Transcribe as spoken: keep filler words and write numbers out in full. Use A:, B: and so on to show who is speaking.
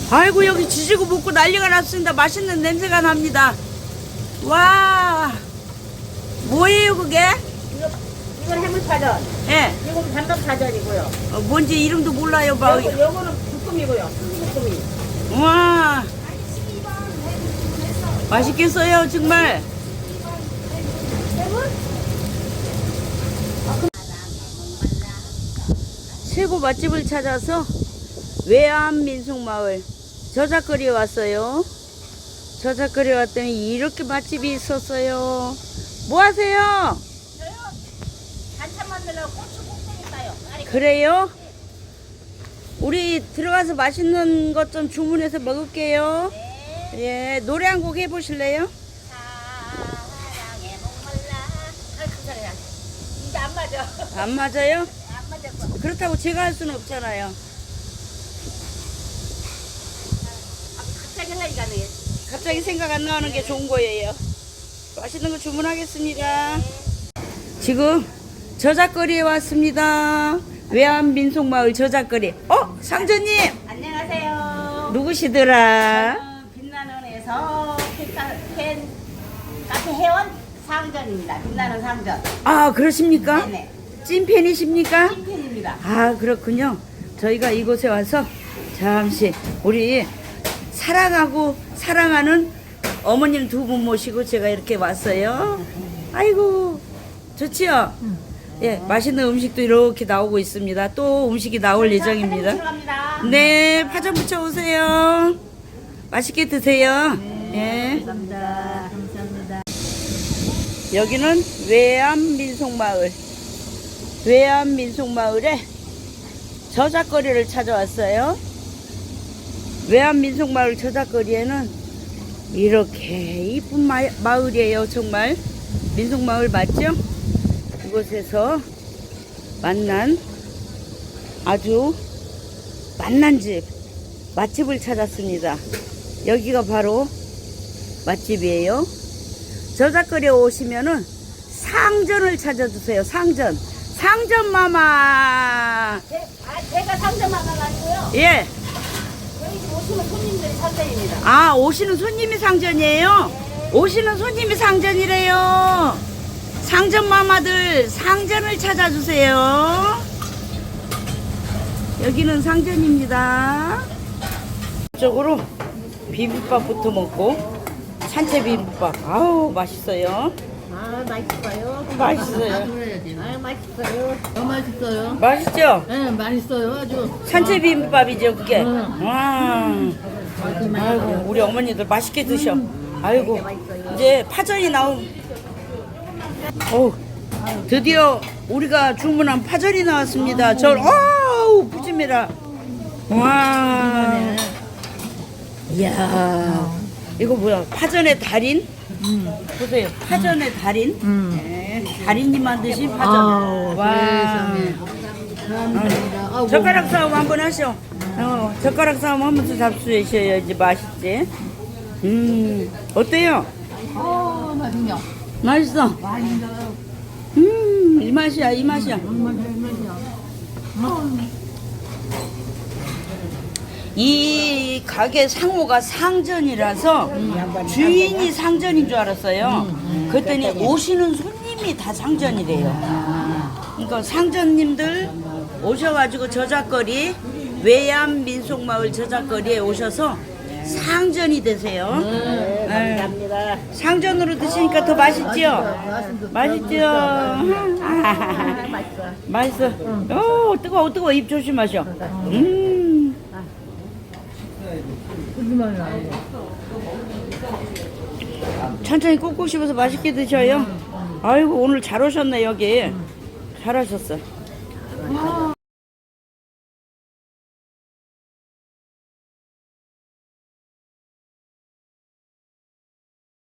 A: 아이고 여기 지지고 볶고 난리가 났습니다. 맛있는 냄새가 납니다. 와 뭐예요 그게?
B: 이거, 이건 해물파전.
A: 예.
B: 이건 단독파전이고요.
A: 어, 뭔지 이름도 몰라요. 봐.
B: 요거, 요거는 볶음이고요. 볶음이.
A: 와 맛있겠어요 정말. 최고 맛집을 찾아서 외암 민속마을 저작거리에 왔어요. 저작거리에 왔더니 이렇게 맛집이 있었어요. 뭐 하세요?
B: 저요? 반찬 만들려고 고추 볶음이 따요.
A: 그래요? 우리 들어가서 맛있는 것 좀 주문해서 먹을게요.
B: 네.
A: 예, 노래 한 곡 해보실래요?
B: 사랑에 목말라. 아이, 그 소리야. 이게 안 맞아.
A: 안 맞아요?
B: 안 맞아.
A: 그렇다고 제가 할 수는 없잖아요.
B: 아, 갑자기 하려니까 안 돼.
A: 갑자기 생각 안 나는 게 좋은 거예요. 맛있는 거 주문하겠습니다. 지금 저작거리에 왔습니다. 외암 민속마을 저작거리. 어? 상전님
B: 안녕하세요.
A: 누구시더라?
B: 저는 빛나는에서 팬카- 팬 카페 회원 상전입니다. 빛나는 상전.
A: 아 그러십니까?
B: 네네.
A: 찐팬이십니까?
B: 찐팬입니다.
A: 아 그렇군요. 저희가 이곳에 와서 잠시 우리 사랑하고 사랑하는 어머님 두 분 모시고 제가 이렇게 왔어요. 아이고 좋지요? 예, 맛있는 음식도 이렇게 나오고 있습니다. 또 음식이 나올 예정입니다.
B: 들어갑니다.
A: 네, 파전 부쳐 오세요. 맛있게 드세요. 예.
B: 감사합니다. 감사합니다.
A: 여기는 외암 민속마을. 외암 민속마을에 저작거리를 찾아왔어요. 외암 민속마을 저작거리에는 이렇게 이쁜 마, 마을이에요. 정말 민속마을 맞죠? 이곳에서 만난 아주 만난 집 맛집을 찾았습니다. 여기가 바로 맛집이에요. 저작거리에 오시면은 상전을 찾아주세요. 상전 상전마마.
B: 제, 아, 제가 상점마가 아니고요.
A: 예.
B: 여기 지금 오시는 손님들이 상점입니다.
A: 아 오시는 손님이 상전이에요. 오시는 손님이 상전이래요. 상전마마들 상전을 찾아주세요. 여기는 상전입니다. 이쪽으로 비빔밥부터 먹고 산채 비빔밥. 아우 맛있어요.
B: 아, 맛있어요.
A: 맛있어요.
B: 아, 맛있어요.
C: 너무 맛있어요.
A: 맛있죠?
C: 네, 맛있어요. 아주.
A: 산채 비빔밥이죠 그게.
C: 응.
A: 와. 아이고 우리 어머니들 맛있게 드셔. 아이고 이제 파전이 나온. 어 드디어 우리가 주문한 파전이 나왔습니다. 절 어우 푸짐해라. 와. 이야 이거 뭐야 파전의 달인?
C: 음.
A: 보세요 파전의 달인.
C: 음.
A: 네, 달인님 만드신 파전.
C: 아우,
A: 와.
C: 세상에. 감사합니다. 아이고.
A: 젓가락 싸움 한번 하셔. 어, 젓가락 싸움 하면서 잡수셔야지 맛있지. 음, 어때요?
C: 아, 맛있냐.
A: 맛있어.
C: 맛있어요.
A: 음, 이 맛이야, 이 맛이야.
C: 얼마나 맛이야. 음.
A: 이 가게 상호가 상전이라서 주인이 상전인 줄 알았어요. 그랬더니 오시는 손님이 다 상전이래요. 그러니까 상전님들 오셔가지고 저작거리 외암 민속마을 저작거리에 오셔서 상전이 되세요. 네.
B: 감사합니다.
A: 상전으로 드시니까 더 맛있지요? 맛있지요?
B: 아, 맛있어.
A: 맛있어. 오 뜨거워 뜨거워 입 조심하셔. 음.
C: 거짓말 안 해.
A: 천천히 꾹꾹 씹어서 맛있게 드셔요. 아이고 오늘 잘 오셨네 여기. 잘하셨어.